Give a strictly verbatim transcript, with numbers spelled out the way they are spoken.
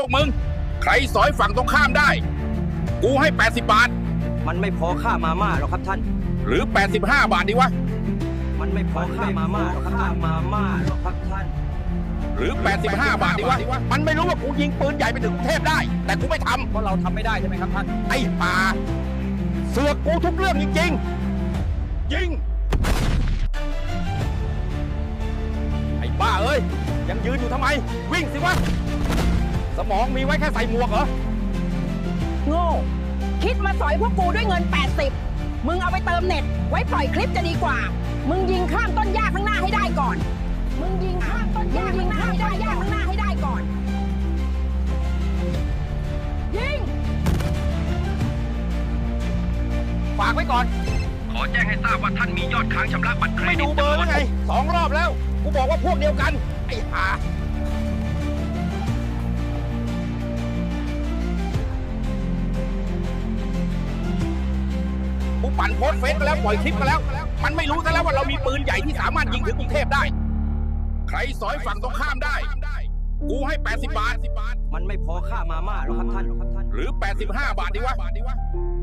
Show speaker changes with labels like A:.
A: กมึงใครสอยฝั่งตรงข้ามได้กูให้แปดสิบบาท
B: มันไม่พอค่ามาม่าหรอกครับท่าน
A: หรือแปดสิบห้าบาทดีวะ
B: มันไม่พอค่ามาม่าหรอกครับท่านมาม่าหรอกครับท่าน
A: หรือแปดสิบห้าบาทดีวะมันไม่รู้ว่ากูยิงปืนใหญ่ไปถึงกรุงเทพได้แต่กูไม่ทำ
B: เพราะเราทำไม่ได้ใช่ไหมครับท่าน
A: ไอ้ป่าเสือกกูทุกเรื่องจริงๆยิงไอ้บ้าเอ้ยยังยืนอยู่ทำไมวิ่งสิวะสมองมีไว้แค่ใส่หมวกเหรอ
C: โง่คิดมาสอยพวกกูด้วยเงินแปดสิบมึงเอาไปเติมเน็ตไว้ปล่อยคลิปจะดีกว่ามึงยิงข้ามต้นหญ้าข้างหน้าให้ได้ก่อนมึงยิงข้ามต้นหญ้าข้างหน้าให้ได้หญ้าข้างหน้าให้ได้ก่อนยิง
A: ฝากไว้ก่อน
D: ขอแจ้งให้ทราบว่าท่านมียอดค้างชำระบัตรเคร
A: ไม่
D: ดิต
A: ดูเบอร์แล้วไงสองรอบแล้วกูบอกว่าพวกเดียวกันไอ้ห่ากูปั่นโพสเฟซไปแล้วปล่อยคลิปไปแล้วมันไม่รู้ซะแล้วว่าเรามีปืนใหญ่ที่สามารถยิงถึงกรุงเทพได้ใครสอยฝั่งตรงข้ามได้กูให้แปดสิบบาท
B: มันไม่พอค่ามาม่าหรอกครับท่าน
A: หรือแปดสิบห้าบาทดีวะ